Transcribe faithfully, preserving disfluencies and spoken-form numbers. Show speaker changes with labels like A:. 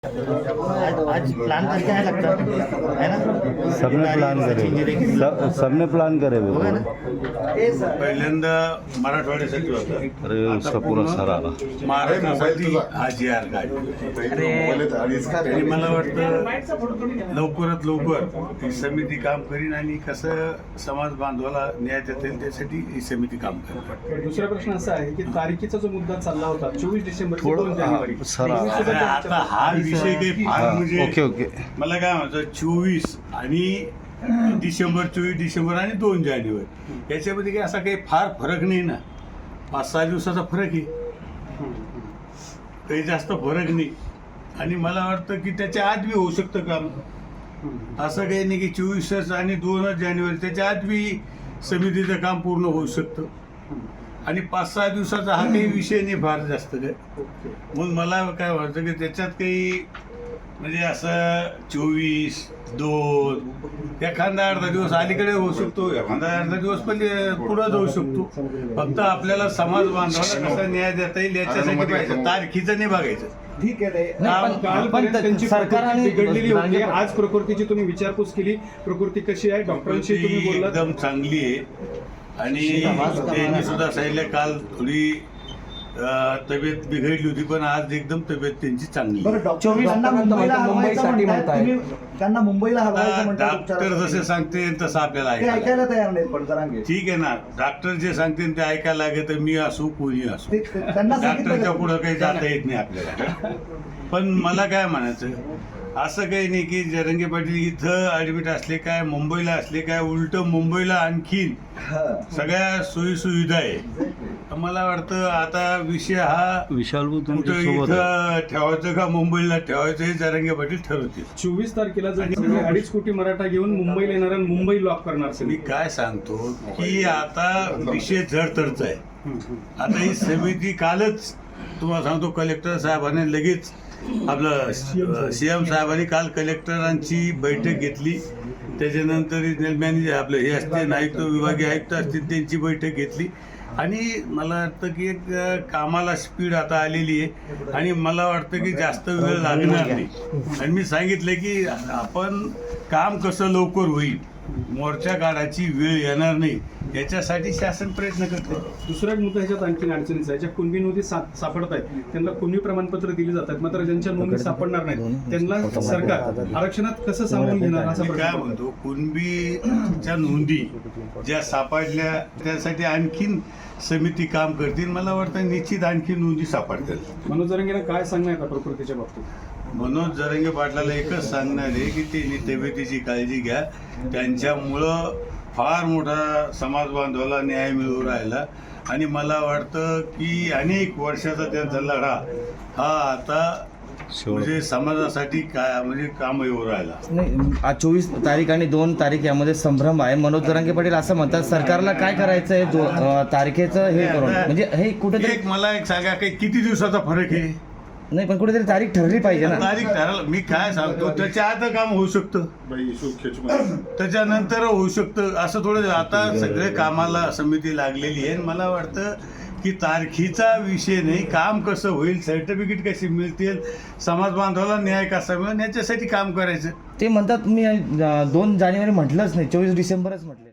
A: आज प्लान करके आया लगता है ना,
B: सबने प्लान करे, सब सबने प्लान करे
A: होगा ना।
C: पहिल्यांदा मराठवाड्यासाठी होता,
B: अरे उसका पूरा सर आला.
C: महाराष्ट्रासाठी हा जी आर काढली. आणि मला वाटतं लवकरात लवकर ही समिती काम करीन आणि कसं समाज बांधवाला न्याय देता येईल त्यासाठी ही समिती काम करेल.
D: दुसरा प्रश्न असा आहे की तारखेचा जो मुद्दा चालला होता चोवीस डिसेंबर ते
B: थोडं-
D: दोन जानेवारी
B: हा, सर,
D: नेहमी सुद्धा
C: आता
D: त्यांच्या-
C: आता हा विषय काही फार
B: हा,
C: म्हणजे
B: ओके ओके
C: मला काय म्हणतो चोवीस आणि डिसेंबर चोवीस डिसेंबर आणि दोन जानेवारी याच्यामध्ये काही असा काही फार फरक नाही ना. पाच सहा दिवसाचा फरक आहे, काही जास्त फरक नाही. आणि मला वाटतं की त्याच्या आत बी होऊ शकतं काम. असं काही नाही की चोवीसच आणि दोनच जानेवारी, त्याच्या आत बी समितीचं काम पूर्ण होऊ शकतं. आणि पाच सहा दिवसाचा हा काही विषय नाही फार जास्त काय. मग मला काय वाटतं की त्याच्यात काही म्हणजे असं चोवीस दोन एखादा अर्धा दिवस अलीकडे होऊ शकतो, एखादा अर्धा दिवस पण पुढं जाऊ शकतो. फक्त आपल्याला समाज बांधवाला कसा न्याय देता येईल याच्यासाठी पाहिजे, तारखीचं नाही बघायचं.
D: ठीक आहे
A: नाही, पण-
D: कालपर्यंत
A: पण
D: त्यांची
A: सरकारने
D: प्रकृती बिघडलेली होती.
A: रांगे-
D: आज प्रकृतीची तुम्ही विचारपूस केली, प्रकृती कशी आहे डॉक्टरांशी तुम्ही
C: ती
D: बोललात.
C: एकदम चांगली आहे. आणि त्यांनी सुद्धा सांगितलं काल थोडी अं, तब्येत बिघडली होती, पण आज एकदम तब्येत त्यांची चांगली आहे.
A: चोवीस
E: त्यांना मुंबईला
A: मुंबईसाठी
E: हलवायचं म्हणताय. त्यांना मुंबईला हलवायचं
C: आता
E: म्हणताय
C: डॉक्टर
E: उपचारासाठी.
C: जसे सांगते तसं आपल्याला
E: ते
C: ऐकायला
E: ऐकायला तयार नाहीत पण जरांगे.
C: ठीक आहे ना. डॉक्टर जे सांगते ते ऐकायला लागेल, तर मी असू कोणी असू,
E: ते- ते- त्यांना सांगितलं
C: डॉक्टरच्या
E: का?
C: पुढं काही जाता येत नाही आपल्याला. पण मला काय म्हणायचं, असं काही नाही की जरंगे पाटील इथं ऍडमिट असले काय, मुंबईला असले काय, उलट मुंबईला आणखीन
E: हा.
C: सगळ्या सोयी सुविधा आहे. मला वाटतं आता विषय हा
B: विशाल भाऊ
C: कुठं
B: तुमच्या सोबत आहे.
C: इथं ठेवायचं का मुंबईला ठेवायचं हे जरंगे पाटील ठरवतील.
D: चोवीस तारखेला जर सगळे अडीच कोटी मराठा घेऊन मुंबईला येणार आणि मुंबई लॉक करणार
C: मी
D: सगळी.
C: काय सांगतो की आता विषय जडतरचा आहे. आता ही समिती कालच तुम्हाला सांगतो कलेक्टर साहेबांनी लगेच आपलं सीएम साहेबांनी काल कलेक्टरांची बैठक घेतली. त्याच्यानंतर मॅनेजर आपलं हे असते आयुक्त विभागीय आयुक्त असतील त्यांची बैठक घेतली. आणि मला वाटतं की एक कामाला स्पीड आता आलेली आहे आणि मला वाटतं की जास्त वेळ लागणार नाही. आणि मी सांगितलं की आपण काम कसं लवकर होईल, मोर्चा काढायची वेळ येणार नाही याच्यासाठी शासन प्रयत्न करते.
D: दुसरा एक मुद्दा ह्याच्यात आणखी अडचणीचा आहे. ज्या कुणबी नोंदी सा- सापडत आहेत त्यांना कुणबी प्रमाणपत्र दिली जातात, मात्र ज्यांच्या नोंदी सापडणार नाहीत त्यांना सरकार आरक्षणात कसं सामावून घेणार असा
C: मी काय
D: प्रश्न.
C: म्हणतो, कुणबीच्या नोंदी ज्या सापडल्या त्यासाठी आणखीन समिती काम करतील. मला वाटतं निश्चित आणखी नोंदी सापडतील.
D: मनोज जरंगेंना काय सांगणार का प्रकृतीच्या बाबतीत?
C: मनोज जरंगे पाटलाला एकच सांगणार आहे की त्यांनी तब्येतीची काळजी घ्या. त्यांच्यामुळं फार मोठा समाज बांधवाला न्याय मिळू राहिला. आणि मला वाटतं की अनेक वर्षाचा त्यांचा लढा हा आता म्हणजे समाजासाठी काय म्हणजे काम येऊ राहिला.
A: नाही, आज चोवीस तारीख आणि दोन तारीख यामध्ये संभ्रम आहे. मनोज जरांगे पाटील असं म्हणतात सरकारला काय करायचं आहे दो- अं, तारखेचं हे करून, म्हणजे हे कुठेतरी
C: एक मला एक सांगा काही किती दिवसाचा फरक आहे.
A: नाही, पण कुठेतरी तारीख ठरली पाहिजे ना.
C: तारीख ठरवलं मी काय सांगतो, त्याच्या आत काम होऊ शकतं, त्याच्यानंतर होऊ शकतं. असं थोडं आता सगळे कामाला समिती लागलेली आहे. मला वाटतं की तारखीचा विषय नाही, काम कसं होईल, सर्टिफिकेट कशी मिळतील, समाज बांधवाला न्याय कसा मिळेल याच्यासाठी काम करायचं.
A: ते म्हणतात मी अं, दोन जानेवारी म्हटलंच नाही, चोवीस डिसेंबरच म्हटले.